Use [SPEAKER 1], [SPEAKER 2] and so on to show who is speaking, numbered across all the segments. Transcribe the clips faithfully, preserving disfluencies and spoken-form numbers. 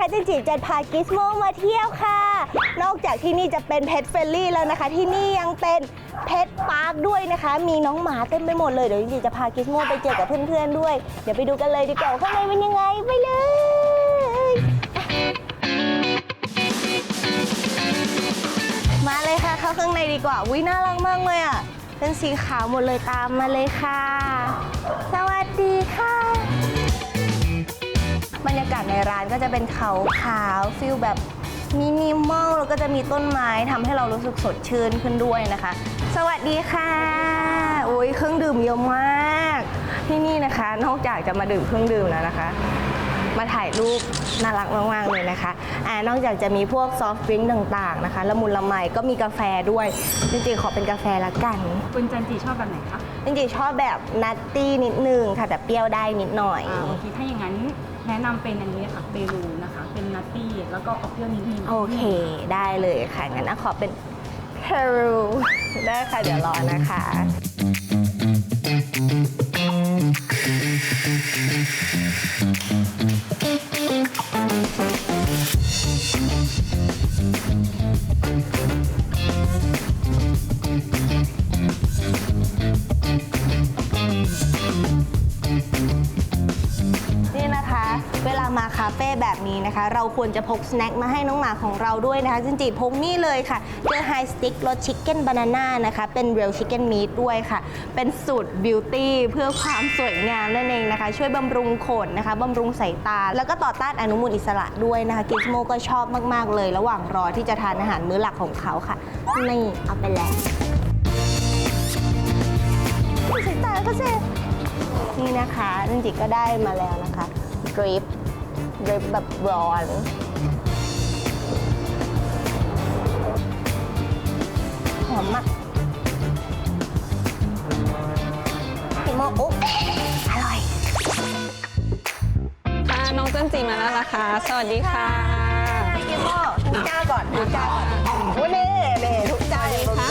[SPEAKER 1] นะคะจันจิจะพากิสโมมาเที่ยวค่ะนอกจากที่นี่จะเป็นเพ t เฟรนลี่แล้วนะคะที่นี่ยังเป็นเพ t พาร์คด้วยนะคะมีน้องหมาเต็มไปหมดเลยเดี๋ยวจันจิจะพากิสโมไปเจอกับเพื่อนๆด้วยเดี๋ยวไปดูกันเลยดีกว่าข้างในเป็นยังไงไปเลยมาเลยค่ะเข้าข้างในดีกว่าวิน่ารักมากเลยอ่ะเป็นสีขาวหมดเลยตามมาเลยค่ะสวัสดีค่ะบรรยากาศในร้านก็จะเป็นขาวขาวฟิลแบบมินิมอลแล้วก็จะมีต้นไม้ทำให้เรารู้สึกสดชื่นขึ้นด้วยนะคะสวัสดีค่ะโอ้ยเครื่องดื่มเยอะมากที่นี่นะคะนอกจากจะมาดื่มเครื่องดื่มแล้วนะคะมาถ่ายรูปน่ารักมากๆเลยนะคะอ่านอกจากจะมีพวกซอฟต์ดริงก์ต่างๆนะคะละมุนละไมก็มีกาแฟด้วยจริงๆขอเป็นกาแฟละกัน
[SPEAKER 2] คุณจันจีชอบแบบไหนคะ
[SPEAKER 1] จริงๆชอบแบบนัตตี้นิดนึงค่ะแต่เปรี้ยวได้นิดหน่อย
[SPEAKER 2] อ่าโอเคถ้าอย่างนั้นแนะนำเป็นอันนี้ค่ะเปรูนะคะเป็นนัตตี้แล้วก็ออกเปรี้ยวนิดนึง
[SPEAKER 1] โอเคได้เลยค่ะงั้นขอเป็นเพรูได้ค่ะเดี๋ยวรอนะคะนี่นะคะเวลามาคาเฟ่แบบนี้นะคะเราควรจะพกสแน็คมาให้น้องหมาของเราด้วยนะคะจริงๆพกนี่เลยค่ะเจอไฮสติ๊กรสชิคเก้นบานาน่านะคะเป็นเรียลชิคเก้นมีทด้วยค่ะเป็นสูตรบิวตี้เพื่อความสวยงามนั่นเองนะคะช่วยบำรุงขนนะคะบำรุงสายตาแล้วก็ต่อต้านอนุมูลอิสระด้วยนะคะกิสโมก็ชอบมากๆเลยระหว่างรอที่จะทานอาหารมื้อหลักของเขาค่ะนี่เอาไปแล้วสายตาก็เซ่นี่นะคะจริงๆก็ได้มาแล้วนะคะดริปดริปแบบร้อนหอมมากพี่โมอุ๊บอร่อย
[SPEAKER 3] ค่ะน้องจันจีมาแล้วนะคะสวัสดีค่ะ
[SPEAKER 1] พี่โมทุกจ้าก่อนทุกจ้าก่อนวันนี้เน่ทุกจ้าเลยค่ะ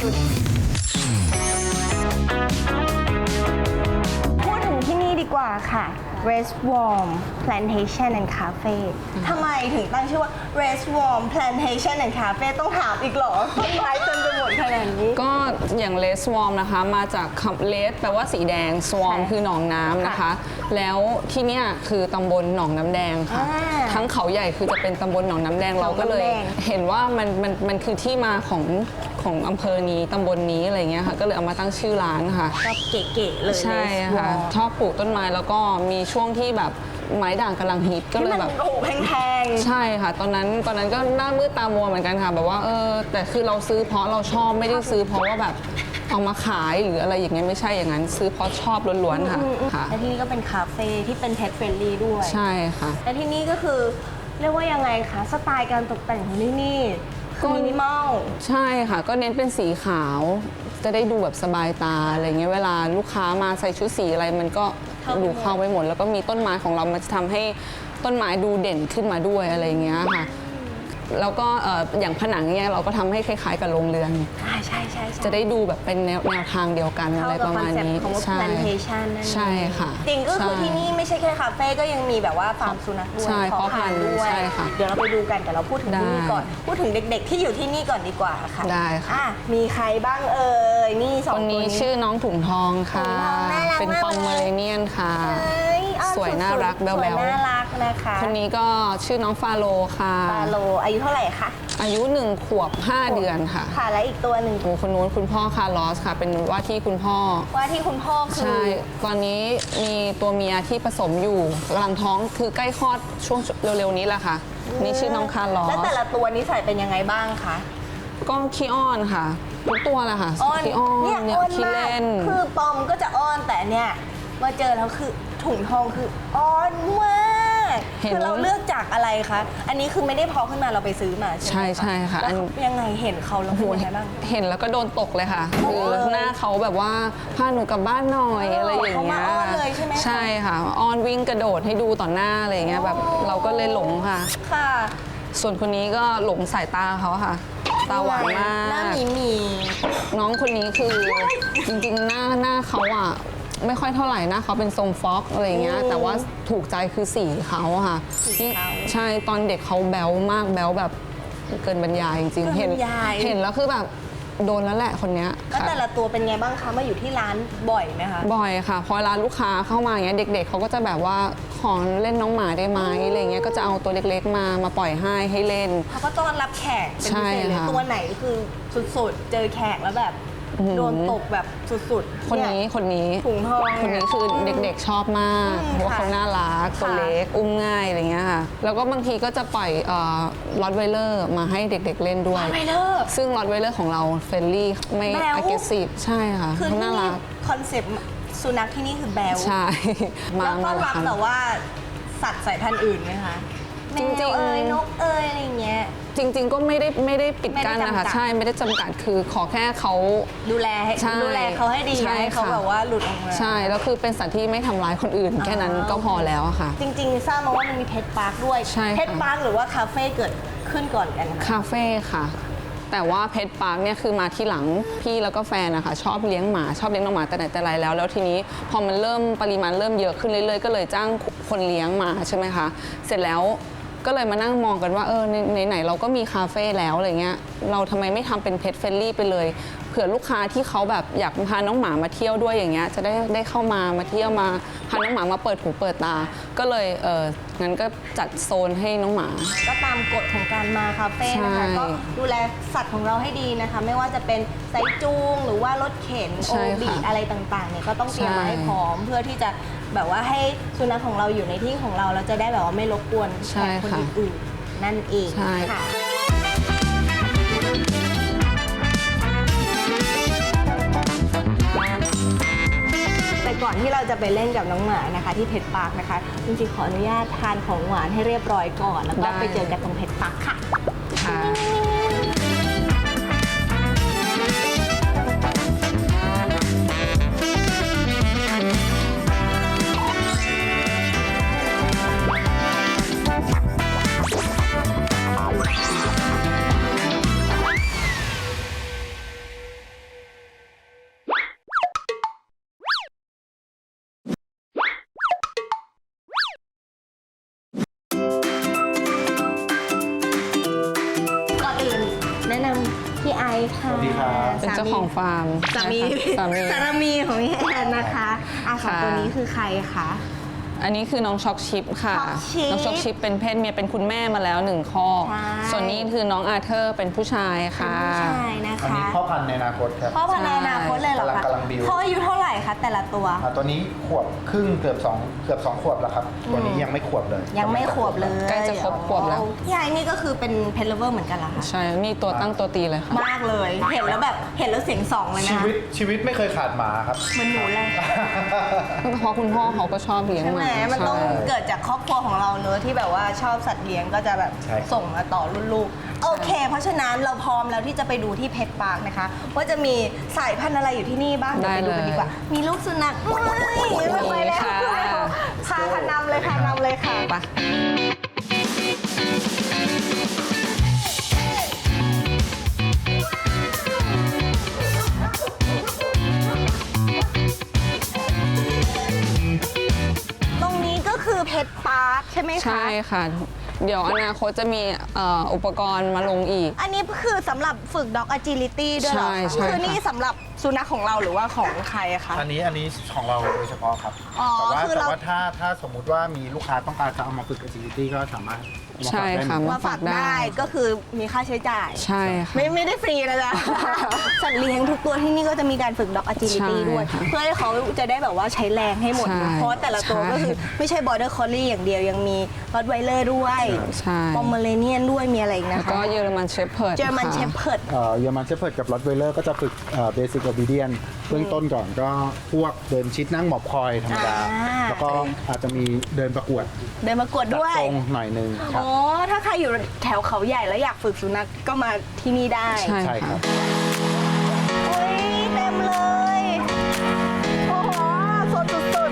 [SPEAKER 1] พูดถึงที่นี่ดีกว่าค่ะ Rest Warm Plantation and Cafe ทำไมถึงตั้งชื่อว่า Rest Warm Plantation and Cafe ต้องถามอีกเหรอต้นไม้เต็มไปหมดขนาดนี้
[SPEAKER 3] ก็อย่างเลสวอมนะคะมาจากคำเลสแปลว่าสีแดงสวอมคือหนองน้ำนะคะแล้วที่เนี้ยคือตำบลหนองน้ำแดงค่ะทั้งเขาใหญ่คือจะเป็นตำบลหนองน้ำแดงเราก็เลยเห็นว่ามันมันมันคือที่มาของของอำเภอนี้ตำบลนี้อะไรเงี้ยค่ะก็เลยเอามาตั้งชื่อร้านค่ะ
[SPEAKER 1] ก็เก๋ๆเลย
[SPEAKER 3] ใช่ค่ะชอบปลูกต้นไม้แล้วก็มีช่วงที่แบบไม้ด่างกำลังฮิตก็เลยแบบ
[SPEAKER 1] โอ้แพง
[SPEAKER 3] ๆใช่ค่ะตอนนั้นตอนนั้นก็หน้ามืดตามัวเหมือนกันค่ะแบบว่าเออแต่คือเราซื้อเพราะเราชอบไม่ได้ซื้อเพราะว่าแบบเอามาขายหรืออะไรอย่างเงี้ยไม่ใช่อย่างนั้นซื้อเพราะชอบล้วนๆค่ะค่ะ
[SPEAKER 1] และที่นี่ก็เป็นคาเฟ่ที่เป็น pet friendly ด้วย
[SPEAKER 3] ใช่ค่ะ
[SPEAKER 1] และที่นี่ก็คือเรียกว่ายังไงคะสไตล์การตกแต่งของที่นี่คือมินิมอล
[SPEAKER 3] ใช่ค่ะก็เน้นเป็นสีขาวจะได้ดูแบบสบายตาอะไรเงี้ยเวลาลูกค้ามาใส่ชุดสีอะไรมันก็ดูเข้าไปหมดแล้วก็มีต้นไม้ของเรามันจะทำให้ต้นไม้ดูเด่นขึ้นมาด้วยอะไรเงี้ยค่ะแล้วก็อย่างผนังเนี่ยเราก็ทำให้คล้ายๆกับโรงเรือน
[SPEAKER 1] ใช่ใช่
[SPEAKER 3] จะได้ดูแบบเป็นแนวแนวทางเดียวกันอะไรประมาณนี้
[SPEAKER 1] ใช่ plantation นั่น
[SPEAKER 3] ใช่ค่ะ
[SPEAKER 1] จริงก็คือที่นี่ไม่ใช่แค่คาเฟ่ก็ยังมีแบบว่าฟาร์มสุนัขด้วย
[SPEAKER 3] ใช่เพาะพันธุ์
[SPEAKER 1] ด้วย
[SPEAKER 3] ใช่ค่ะ
[SPEAKER 1] เดี๋ยวเราไปดูกันแต่เราพูดถึงที่นี่ก่อนพูดถึงเด็กๆที่อยู่ที่นี่ก่อนดีกว่าค่ะ
[SPEAKER 3] ได้ค่ะ
[SPEAKER 1] มีใครบ้างเอ่ยนี่สอง
[SPEAKER 3] คนนี้ชื่อน้องถุงทองค่ะเป็นปอมเมอเรเนียนค่ะสวยน่ารักแบ๊วๆ
[SPEAKER 1] น่ารักนะคะ
[SPEAKER 3] คนนี้ก็ชื่อน้องฟาโลค่ะ
[SPEAKER 1] ฟาโลอายุเท่าไหร่คะ
[SPEAKER 3] อายุหนึ่งขวบห้าเดือนค่ะ
[SPEAKER 1] ค่ะและอีกตัวหนึ่ง
[SPEAKER 3] คนนู้นคุณพ่อคาร์ลอสค่ะเป็นว่าที่คุณพ่อ
[SPEAKER 1] ว่าที่คุณพ่อคือ
[SPEAKER 3] ใช่ตอนนี้มีตัวเมียที่ผสมอยู่กำลังท้องคือใกล้คลอดช่วงเร็วๆนี้แหละค่ะนี่ชื่อน้องคาร์ลอส
[SPEAKER 1] แล้วแต่ละตัวนิสัยเป็นยังไงบ้างคะ
[SPEAKER 3] ก็ขี้อ้อนค่ะทุกตัวแหละค่ะขี้อ้อน
[SPEAKER 1] เนี่ยขี้เล่นคือปอมก็จะอ้อนแต่เนี่ยมาเจอแล้วคือถุงทองคืออ้อนมากคือเราเลือกจากอะไรคะอันนี้คือไม่ได้เพาะขึ้นมาเราไปซื้อมา
[SPEAKER 3] ใช่ใช่ค่ะ
[SPEAKER 1] ยังไงเห็นเขาแล้วเป็นยังไงบ้าง
[SPEAKER 3] เห็นแล้วก็โดนตกเลยค่ะคือหน้าเขาแบบว่าพาหนูกลับบ้านหน่อยอะไรอย่างเงี้ยใช่ค่ะอ้อนวิ่งกระโดดให้ดูต่อหน้าอะไรอย่างเงี้ยแบบเราก็เลยหลงค่ะ
[SPEAKER 1] ค่ะ
[SPEAKER 3] ส่วนคนนี้ก็หลงสายตาเขาค่ะตาหวานมาก
[SPEAKER 1] หน้ามีมี
[SPEAKER 3] น้องคนนี้คือจริงๆหน้าหน้าเขาอ่ะไม่ค่อยเท่าไหร่นะเขาเป็นทรงฟ็อกอะไรเงี้ยแต่ว่าถูกใจคือสีเขาอะค่ะ
[SPEAKER 1] สีเขา
[SPEAKER 3] ใช่ตอนเด็กเขาแบ๊วมากแบ๊วแบบเกินบรรยายจริงๆ
[SPEAKER 1] เกิ
[SPEAKER 3] เห็
[SPEAKER 1] น
[SPEAKER 3] น
[SPEAKER 1] บรรยาย
[SPEAKER 3] เห็นแล้วคือแบบโดนแล้วแหละคนเนี้ย
[SPEAKER 1] แล้ว
[SPEAKER 3] ค่ะ
[SPEAKER 1] แต่ละตัวเป็นไงบ้างคะมาอยู่ที่ร้านบ่อยไหมคะ
[SPEAKER 3] บ่อยค่ะพอเวลาลูกค้าเข้ามาอย่างเงี้ยเด็ก ๆเขาก็จะแบบว่าขอเล่นน้องหมาได้ไหมอะไรเงี้ยก็จะเอาตัวเล็กๆมามาปล่อยให้ให้เล่น
[SPEAKER 1] เขาก็ต้อนรับแขกเป็นพิเศษ
[SPEAKER 3] ใช่
[SPEAKER 1] เลย
[SPEAKER 3] ค่ะ
[SPEAKER 1] ตัวไหนคือสุดๆ เจอแขกแล้วแบบโดนตกแบบสุดๆ
[SPEAKER 3] คนนี้
[SPEAKER 1] เย
[SPEAKER 3] คนนี้
[SPEAKER 1] ถุงทอง
[SPEAKER 3] คนนี้คือเด็กๆชอบมาก
[SPEAKER 1] อืม
[SPEAKER 3] เพราะว่า
[SPEAKER 1] ค่ะ
[SPEAKER 3] เขาน่ารักตัว
[SPEAKER 1] ค่ะ
[SPEAKER 3] เล็กอุ้มง่ายอะไรเงี้ยค่ะแล้วก็บางทีก็จะปล่อยลอตไวเลอร์มาให้เด็กๆเล่นด้วย
[SPEAKER 1] ไปเลิก
[SPEAKER 3] ซึ่งลอตไวเลอร์ของเราเฟรนลี่ไม่
[SPEAKER 1] แบ๊ว
[SPEAKER 3] aggressive ใช่ค่ะ
[SPEAKER 1] คือ
[SPEAKER 3] เขา
[SPEAKER 1] ที่
[SPEAKER 3] น่ารั
[SPEAKER 1] นี่
[SPEAKER 3] ก
[SPEAKER 1] คอนเซ็ปต์สุนัขที่นี่คือแบล
[SPEAKER 3] ใช่
[SPEAKER 1] แล้วก็รับ
[SPEAKER 3] ค่ะ
[SPEAKER 1] แต่ว่าสัตว์สายพันธุ์อื่นไหมคะ
[SPEAKER 3] จริงๆ
[SPEAKER 1] แมวเอ้ยนกเอ้ยอะไรอย่างเงี้ย
[SPEAKER 3] จริง ๆ ก็ไม่ได้ไม่ได้ปิดกั้น
[SPEAKER 1] ไม่ได้
[SPEAKER 3] นะคะ
[SPEAKER 1] จำกัด
[SPEAKER 3] ใช่ไม่ได้จำกัดคือขอแค่เขา
[SPEAKER 1] ดูแลให้
[SPEAKER 3] ใช่
[SPEAKER 1] ดูแลเขาให้ดี
[SPEAKER 3] ใช่
[SPEAKER 1] ให้เขา
[SPEAKER 3] ค่ะ
[SPEAKER 1] แบบว่าหลุดออกมา
[SPEAKER 3] ใช่แล้วคือเป็นสัตว์ที่ไม่ทำร้ายคนอื่น แค่นั้นก็พอแล้วอะค่ะ
[SPEAKER 1] จริงๆทราบมาว่ามันมีเพชรพาร์คด้วย
[SPEAKER 3] ใช่ค่ะ
[SPEAKER 1] เพชรพาร์คหรือว่าคาเฟ่เกิดขึ้นก่อนกันคะ
[SPEAKER 3] คาเฟ่ค่ะ แต่ว่าเพชรปาร์คเนี่ยคือมาที่หลังพี่แล้วก็แฟนนะคะชอบเลี้ยงหมาชอบเลี้ยงน้องหมาแต่ไหนแต่ไรแล้ว แล้วทีนี้พอมันเริ่มปริมาณเริ่มเยอะขึ้นเรื่อยๆ ก็เลยจ้างคนเลี้ยงมาใช่ไหมคะเสร็จแล้วก็เลยมานั่งมองกันว่าเออในไหนๆเราก็มีคาเฟ่แล้วอะไรเงี้ยเราทำไมไม่ทำเป็นเพ t เฟรนลี่ไปเลยเผื่อลูกค้าที่เขาแบบอยากพาน้องหมามาเที่ยวด้วยอย่างเงี้ยจะได้ได้เข้ามามาเที่ยวมาพาน้องหมามาเปิดหูเปิดตา ก็เลยเอองั้นก็จัดโซนให้น้องหมา
[SPEAKER 1] ก็ตามกฎของการมาคาเฟ่นะคะ
[SPEAKER 3] ใช่
[SPEAKER 1] ก็ดูแลสัตว์ของเราให้ดีนะคะ ไม่ว่าจะเป็นไซจูงหรือว่ารถเข็น
[SPEAKER 3] ใช่
[SPEAKER 1] โอ
[SPEAKER 3] ค่ะ
[SPEAKER 1] บีอะไรต่างๆเนี่ยก็ต้องเตรียมมาให้
[SPEAKER 3] ใช่
[SPEAKER 1] พร้อม เพื่อที่จะแบบว่าให้สุนัขของเราอยู่ในที่ของเราเราจะได้แบบว่าไม่รบกวนแข
[SPEAKER 3] ใช่
[SPEAKER 1] กคน
[SPEAKER 3] ค่ะ
[SPEAKER 1] อื่นๆนั่นเอง
[SPEAKER 3] ใช่
[SPEAKER 1] ค่ะแต่ก่อนที่เราจะไปเล่นกับน้องหมานะคะ ที่เพชรปาร์คนะคะจริงๆขออนุญาตทานของหวานให้เรียบร้อยก่อน แล้วก็
[SPEAKER 3] ได้
[SPEAKER 1] ไปเจอกันตรงเพชรปาร์คค่ะ
[SPEAKER 3] ค่ะ
[SPEAKER 1] ก่อนอื่นแนะนำพี่ไอซ์ค่ะ
[SPEAKER 4] สวัสดีครับ
[SPEAKER 3] เป็นเจ้าของฟาร์ม
[SPEAKER 1] สามี
[SPEAKER 3] สามี
[SPEAKER 1] สามีของพี่แอนนะคะอ่ะสอง
[SPEAKER 3] ค่ะ
[SPEAKER 1] ตัวนี้คือใครคะ
[SPEAKER 3] อันนี้คือน้องช็อกชิปค่ะ
[SPEAKER 1] ช็อกชิป
[SPEAKER 3] น้องช็อกชิปเป็นเพศเมียเป็นคุณแม่มาแล้วหนึ่งข้อ
[SPEAKER 1] ใช่
[SPEAKER 3] ส่วนนี้คือน้องอาเธอร์เป็นผู้ชายค่ะ
[SPEAKER 1] ผู้ชายนะ
[SPEAKER 4] อัน
[SPEAKER 1] คะ
[SPEAKER 4] นี้พ่อพันธุ์ในอนาคตครับ
[SPEAKER 1] พ่อพันธุ์ในอนาคตเลยเหรอคะ
[SPEAKER 4] กำลังบิว
[SPEAKER 1] เขาอายุเท่าไหร่คะแต่ละตัว
[SPEAKER 4] อ่าตัวนี้ขวบครึ่งเกือบสองเกือบสองขวบแล้วครับ ตัวนี้ยังไม่ขวบเลย
[SPEAKER 1] ยังไม่ขวบเลย
[SPEAKER 3] ใกล้จะครบขวบแล้ว
[SPEAKER 1] พี่ไอซ์นี่ก็คือเป็นเพนเลเวอร์เหมือนกันเหรอคะ
[SPEAKER 3] ใช่ นี่ตัวตั้งตัวตีเลยค่ะ
[SPEAKER 1] มากเลย เห็นแล้วแบบเห็นแล้วเสียงสองเลยนะ
[SPEAKER 4] ชี
[SPEAKER 1] คะ
[SPEAKER 4] วิตชีวิตไม่เคยขาดหมาครับ
[SPEAKER 1] เหมือนหนูเลย
[SPEAKER 3] เพราะคุณพ่อเขาก็ชอบเลี้ยง
[SPEAKER 1] ใช่
[SPEAKER 3] ห
[SPEAKER 1] ไหม
[SPEAKER 3] มา
[SPEAKER 1] มันต้อง
[SPEAKER 3] ใช่
[SPEAKER 1] เกิดจากครอบครัวของเราเนอะที่แบบว่าชอบสัตว์เลี้ยงก็จะแบบ
[SPEAKER 4] ใช่ครับ
[SPEAKER 1] ส่งมาต่อรุ่นลูก โอเค เพราะฉะนั้นเราพร้อมแล้วที่จะไปดูที่เพชรปาร์คนะคะ ว่าจะมีสายพันธุ์อะไรอยู่ที่นี่บ้างเดี๋ยวไปดูกันดีกว่า มีลูกสุนัขไม่ไม่ไปแล้ว
[SPEAKER 3] ค่ะ
[SPEAKER 1] พาค่ะนำเลยค่ะนำเลยค่ะ
[SPEAKER 3] ไป
[SPEAKER 1] ตรงนี้ก็คือเพชรปาร์คใช่ไหมคะ
[SPEAKER 3] ใช่ค่ะ เดี๋ยวอนาคตจะมีเอ่ออุปกรณ์มาลงอีก
[SPEAKER 1] อันนี้คือสำหรับฝึก dog agility ด้วยเหรอ
[SPEAKER 3] ใช่
[SPEAKER 1] คะ
[SPEAKER 3] ใช่
[SPEAKER 1] คือนี่
[SPEAKER 3] ค่ะ
[SPEAKER 1] สำหรับสุนัขของเราหรือว่าของใครอะคะ
[SPEAKER 4] อันนี้อันนี้ของเราโดยเฉพาะครับ
[SPEAKER 1] อ๋อ
[SPEAKER 4] แต่ว่า
[SPEAKER 1] คือ
[SPEAKER 4] แต่
[SPEAKER 1] เรา
[SPEAKER 4] ว่าถ้าถ้าสมมุติว่ามีลูกค้าต้องการจะเอามาฝึก agility ก็สามารถเอามา
[SPEAKER 3] ใช่
[SPEAKER 4] ฝากได้
[SPEAKER 3] ค่ะ
[SPEAKER 4] เหมือนกัน
[SPEAKER 1] มาฝากได้ก็คือมีค่าใช้จ่าย
[SPEAKER 3] ใช่ค่ะ
[SPEAKER 1] ไม่ไม่ได้ฟรีนะจ๊ะ สัตว์เลี้ยงทุกตัวที่นี่ก็จะมีการฝึก dog agility
[SPEAKER 3] ใช่
[SPEAKER 1] ด้วย
[SPEAKER 3] ค่ะ
[SPEAKER 1] เพื่อให้เขาจะได้แบบว่าใช้แรงให้หมด
[SPEAKER 3] ใช่
[SPEAKER 1] เพราะว่าแต่ละตัว
[SPEAKER 3] ใช่
[SPEAKER 1] ก็คือไม่ใช่ border collie อย่างเดียวยังมี rottweiler ด้วย
[SPEAKER 3] ใช่
[SPEAKER 1] pomeranian ด้วยมีอะไรอีก
[SPEAKER 3] แล้ว
[SPEAKER 1] นะคะ
[SPEAKER 3] ก็เยอรมันเชฟเพิร์ด
[SPEAKER 1] German shepherd
[SPEAKER 4] เอ่อเยอรมันเชฟเพิร์ดกับ Rottweiler ก็จะฝึกเบสิ c โอบีเดียนเบื้องต้นก่อนก็พวกเดินชิดนั่งหมอบคอยธรรมดา
[SPEAKER 1] อ่า
[SPEAKER 4] แล้วก็อาจจะมีเดินประกวด
[SPEAKER 1] เดินมากวด
[SPEAKER 4] จัด
[SPEAKER 1] ด้วย
[SPEAKER 4] ทรงหน่อยหนึงครับ
[SPEAKER 1] อ๋อ ถ้าใครอยู่แถวเขาใหญ่แล้วอยากฝึกสุนัขก็มาที่นี่ได้
[SPEAKER 3] ใช่
[SPEAKER 4] ใช่ค
[SPEAKER 3] ค่ะ
[SPEAKER 4] รับ
[SPEAKER 1] โอ้ยเต็มเลย โอ้โหสดสุด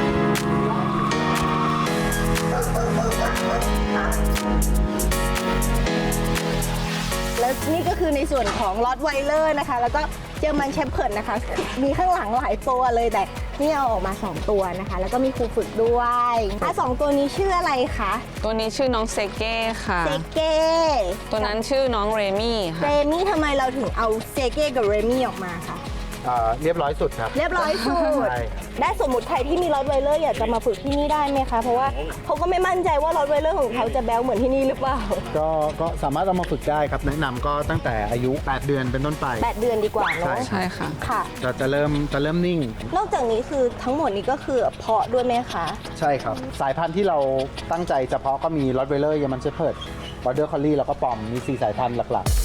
[SPEAKER 1] ๆแล้วนี่ก็คือในส่วนของลอตไวเลอร์นะคะ แล้วก็เจอมันเชฟเพิร์ดนะคะ มีข้างหลังหลายตัวเลยแต่นี่เอาออกมาสองตัวนะคะ แล้วก็มีครูฝึกด้วยอ่ะสองตัวนี้ชื่ออะไรคะ
[SPEAKER 3] ตัวนี้ชื่อน้องเซเก้ค่ะ
[SPEAKER 1] เซเก้
[SPEAKER 3] ตัวนั้นชื่อน้องเรมี่
[SPEAKER 1] เร
[SPEAKER 3] ค่ะ
[SPEAKER 1] มี่ทำไมเราถึงเอาเซเก้กับเรมี่ออกมาคะ
[SPEAKER 4] อ่าเรียบร้อยสุดครับ
[SPEAKER 1] เรียบร้อยสุด
[SPEAKER 4] ใช่
[SPEAKER 1] ได้สมมติใครที่มีรอตไวเลอร์อยากจะมาฝึกที่นี่ได้ไหมคะ เพราะว่าเขาก็ไม่มั่นใจว่ารอตไวเลอร์ของเขาจะแบ๊วเหมือนที่นี่หรือเปล่า
[SPEAKER 4] ก็ก็สามารถเอามาฝึกได้ครับ แนะนำก็ตั้งแต่อายุแปดเดือนเป็นต้นไป
[SPEAKER 1] แปดเดือนดีกว่าเนาะ
[SPEAKER 3] ใช่ค่ะ
[SPEAKER 1] ค่ะ
[SPEAKER 4] จะจะเริ่มจะเริ่มนิ่ง
[SPEAKER 1] นอกจากนี้คือทั้งหมดนี้ก็คือเพาะด้วยไหมคะ
[SPEAKER 4] ใช่ครับ สายพันธุ์ที่เราตั้งใจเฉพาะก็มีรอตไวเลอร์ยามันเชพเพิร์ดบอร์เดอร์คอลลี่แล้วก็ปอมมีสี่สายพันธุ์หลัก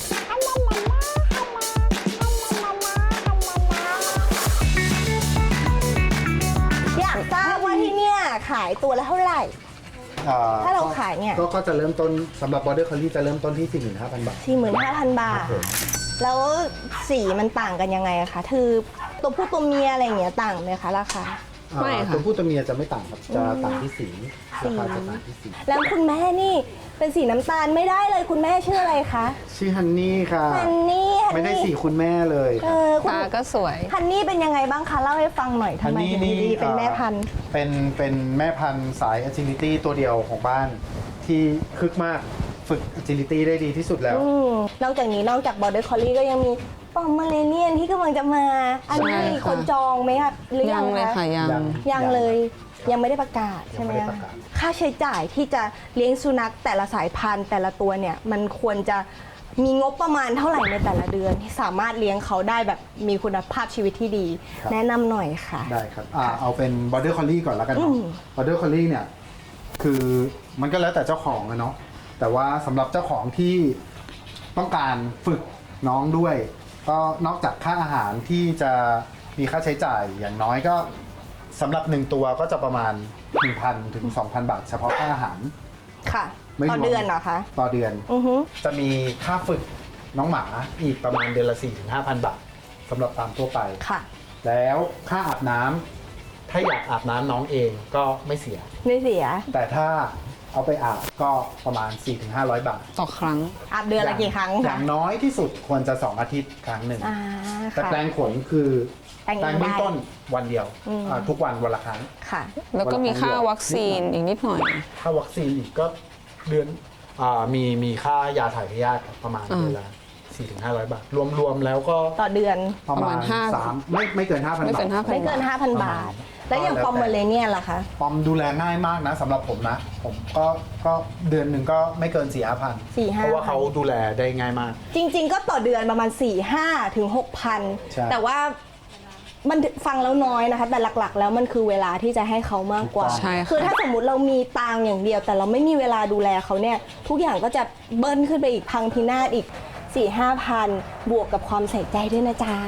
[SPEAKER 1] อยากทราบว่าที่เนี่ยขายตัวละเท่าไหร่
[SPEAKER 4] ๆอ่
[SPEAKER 1] ถ้าเราขายเนี่ย
[SPEAKER 4] ก็ก็จะเริ่มต้นสำหรับบอร์เดอร์คอลลี่จะเริ่มต้นที่ สี่หมื่นห้าพัน บาท
[SPEAKER 1] สี่หมื่นห้าพัน บาท
[SPEAKER 4] ครับผม
[SPEAKER 1] แล้วสีมันต่างกันยังไงอะคะ คือตัวผู้ตัวเมียอะไรอย่างเงี้ยต่างไหมคะราคา
[SPEAKER 3] ไม่
[SPEAKER 4] อ่า
[SPEAKER 3] ค่ะ
[SPEAKER 4] ตัวผู้ตัวเมียจะไม่ต่างครับ จะต่างที่สีราคาจะต่างที่สี
[SPEAKER 1] แล้วคุณแม่นี่เป็นสีน้ำตาลไม่ได้เลยคุณแม่ชื่ออะไรคะ
[SPEAKER 4] ชื่อฮันนี่ค่ะ
[SPEAKER 1] ฮันนี่ฮันนี่
[SPEAKER 4] ไม่ได้สีคุณแม่เลย
[SPEAKER 1] เออคุณ
[SPEAKER 3] ตาก็สวย
[SPEAKER 1] ฮันนี่เป็นยังไงบ้างคะเล่าให้ฟังหน่อยทำไมถึงดีเป็นแม่พันธุ์
[SPEAKER 4] เป็นเป็นแม่พันธุ์สาย agility ตัวเดียวของบ้านที่คึกมากฝึก agility ได้ดีที่สุดแล้ว
[SPEAKER 1] อืมนอกจากนี้นอกจากบอร์เดอร์คอลลี่ก็ยังมีปอมเมอเรเนียนที่กำลังจะมา อันนี้
[SPEAKER 3] ใช่
[SPEAKER 1] มี
[SPEAKER 3] ค่ะ
[SPEAKER 1] คนจองไหมคะหรือ
[SPEAKER 3] ยั
[SPEAKER 1] ยัง ง
[SPEAKER 3] เลย
[SPEAKER 1] คะ
[SPEAKER 3] ค่ะยัง
[SPEAKER 4] ยัง
[SPEAKER 1] ยังเลยยังไม่ได้ประกาศใช่ไหม
[SPEAKER 4] ยังไม่ได้
[SPEAKER 1] คะ
[SPEAKER 4] ประกาศ
[SPEAKER 1] ค่าใช้จ่ายที่จะเลี้ยงสุนัขแต่ละสายพันธุ์แต่ละตัวเนี่ยมันควรจะมีงบประมาณเท่าไหร่ในแต่ละเดือนที่สามารถเลี้ยงเขาได้แบบมีคุณภาพชีวิตที่ดี แนะนำหน่อยค่ะ
[SPEAKER 4] ได้ครับอ่าเอาเป็น border collie ก่อนแล้วกัน
[SPEAKER 1] อื
[SPEAKER 4] เนาะ
[SPEAKER 1] ม
[SPEAKER 4] border collie เนี่ยคือมันก็แล้วแต่เจ้าของอะเนาะแต่ว่าสำหรับเจ้าของที่ต้องการฝึกน้องด้วย ก็นอกจากค่าอาหารที่จะมีค่าใช้จ่ายอย่างน้อยก็สำหรับหนึ่งตัวก็จะประมาณ หนึ่งพัน ถึง สองพัน บาท เฉพาะค่าอาหาร
[SPEAKER 1] ค่ะ
[SPEAKER 4] ไม่รวม
[SPEAKER 1] ต่อเดือนเหรอคะ
[SPEAKER 4] ต่อเดือน
[SPEAKER 1] อือฮึ
[SPEAKER 4] จะมีค่าฝึกน้องหมาอีกประมาณเดือนละ สี่ถึงห้าพัน บาทสำหรับตามทั่วไป
[SPEAKER 1] ค่ะ
[SPEAKER 4] แล้วค่าอาบน้ำถ้าอยากอาบน้ำน้องเองก็ไม่เสีย
[SPEAKER 1] ไม่เสีย
[SPEAKER 4] แต่ถ้าเอาไปอาบก็ประมาณ สี่ถึงห้าร้อย บาท
[SPEAKER 3] ต่อครั้ง
[SPEAKER 1] อาบเดือนละกี่ครั้ง
[SPEAKER 4] อ
[SPEAKER 1] คะ
[SPEAKER 4] ย่างน้อยที่สุดควรจะ สอง อาทิตย์ครั้งหนึ่ง
[SPEAKER 1] อ่า
[SPEAKER 4] แต่
[SPEAKER 1] ค่ะ
[SPEAKER 4] แปลงขนคือ
[SPEAKER 1] แต่งเอง
[SPEAKER 4] แปลงเบื้อง
[SPEAKER 1] ได้
[SPEAKER 4] ต้นวันเดียว
[SPEAKER 1] อืม
[SPEAKER 4] อ่าทุกวันวันละครั้ง
[SPEAKER 1] ค่ะ
[SPEAKER 3] แล้วก็มีค่าวัคซีนอีกนิดหน่อย
[SPEAKER 4] ถ้าวัคซีนอีกก็เดือนอ่ามีมีค่ายาถ่ายพยาธิประมาณ
[SPEAKER 3] อ่า
[SPEAKER 4] เดือนละ สี่ถึงห้าร้อย บาท รวมๆแล้วก็
[SPEAKER 1] ต่อเดือน
[SPEAKER 4] ประ
[SPEAKER 3] ประ
[SPEAKER 4] มา
[SPEAKER 3] มา
[SPEAKER 4] ณ
[SPEAKER 3] ณห้า
[SPEAKER 4] สามไม่ไม่เกิน ห้าพัน
[SPEAKER 3] ไม่
[SPEAKER 4] บา
[SPEAKER 3] เกิ
[SPEAKER 4] ท
[SPEAKER 3] นห้าพัน
[SPEAKER 1] ไม่เกิน
[SPEAKER 3] บาท
[SPEAKER 1] ห้าพัน บาท แล้วอย่างปอมเมอเรเนียนล่ะคะ
[SPEAKER 4] ปอมดูแลง่ายมากนะสำหรับผมนะ ผมก็ก็เดือนหนึ่งก็ไม่เกิน สี่ห้าพัน
[SPEAKER 1] สี่ห้า
[SPEAKER 4] เพราะว่าเขาดูแลได้ง่ายมาก
[SPEAKER 1] จริง ๆ ก็ต่อเดือนประมาณ สี่ห้าถึงหกพัน
[SPEAKER 4] ใช่
[SPEAKER 1] แต่ว่ามันฟังแล้วน้อยนะคะ แต่หลักๆ แล้วมันคือเวลาที่จะให้เขามากกว่า
[SPEAKER 3] ใช่ค่ะ
[SPEAKER 1] คือถ้าสมมุติเรามีตังค์อย่างเดียว แต่เราไม่มีเวลาดูแลเขาเนี่ย ทุกอย่างก็จะเบิ้ลขึ้นไปอีกพังพินาศอีก สี่ห้าพันบวกกับความใส่ใจด้วยนะจ๊ะ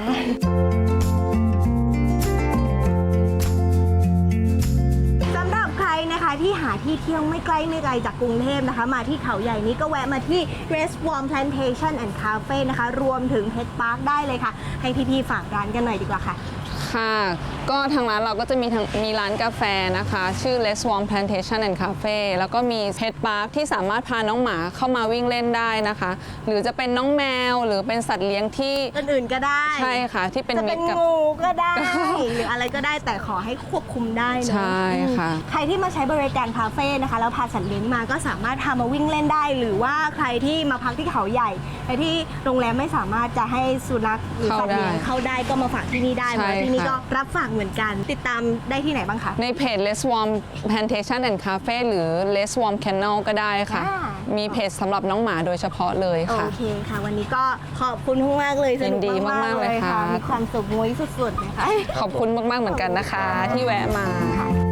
[SPEAKER 1] สำหรับใครนะคะที่หาที่เที่ยวไม่ใกล้ไม่ไกลจากกรุงเทพนะคะ มาที่เขาใหญ่นี้ก็แวะมาที่ Rest Warm Plantation and Cafe นะคะ รวมถึง Pet Park ได้เลยค่ะ ให้พี่ๆฝากร้านกันหน่อยดีกว่าค่ะ
[SPEAKER 3] ค่ะ ก็ทางร้านเราก็จะมีทางมีร้านกาแฟนะคะ ชื่อ Les Warm Plantation and Cafe แล้วก็มี Pet Park ที่สามารถพาน้องหมาเข้ามาวิ่งเล่นได้นะคะ หรือจะเป็นน้องแมวหรือเป็นสัตว์เลี้ยงที่
[SPEAKER 1] อื่นๆก็ได้
[SPEAKER 3] ใช่ค่ะ ที่เป็น
[SPEAKER 1] จะ
[SPEAKER 3] มิ
[SPEAKER 1] เป็
[SPEAKER 3] ต
[SPEAKER 1] น
[SPEAKER 3] รกับ
[SPEAKER 1] งูก็ได้ หรืออะไรก็ได้แต่ขอให้ควบคุมได้เนอะ
[SPEAKER 3] ใช่ค่ะ
[SPEAKER 1] อืมใครที่มาใช้บริการคาเฟ่นะคะแล้วพาสัตว์เลี้ยงมาก็สามารถพามาวิ่งเล่นได้ หรือว่าใครที่มาพักที่เขาใหญ่แต่ที่โรงแรมไม่สามารถจะให้สุนัขหรือสัตว์เลี้ยงเข้าได้ก็มาฝากที่นี่ได้เพ
[SPEAKER 3] ใช่
[SPEAKER 1] ราะว่าที่นี่
[SPEAKER 3] ค่ะ
[SPEAKER 1] ก็รับฝากเหมือนกัน ติดตามได้ที่ไหนบ้างคะ
[SPEAKER 3] ในเพจ Les Warm Plantation and Cafe หรือ Les Warm Kennel ก็ได้ค่ะ
[SPEAKER 1] อ่า
[SPEAKER 3] มีเพจสำหรับน้องหมาโดยเฉพาะเลย
[SPEAKER 1] โอ
[SPEAKER 3] ค่ะ
[SPEAKER 1] เคค่ะ วันนี้ก็ขอบคุณมากๆเลยสนุก
[SPEAKER 3] ยินดีมากๆ
[SPEAKER 1] มากๆ
[SPEAKER 3] เลย
[SPEAKER 1] เลยค่ะ
[SPEAKER 3] ค่ะ
[SPEAKER 1] มีความสุขมุ้ยสุดๆเลยค่ะ
[SPEAKER 3] ขอบคุณมาก ๆ เหมือนกันนะคะ ที่แวะมา
[SPEAKER 1] ค่ะ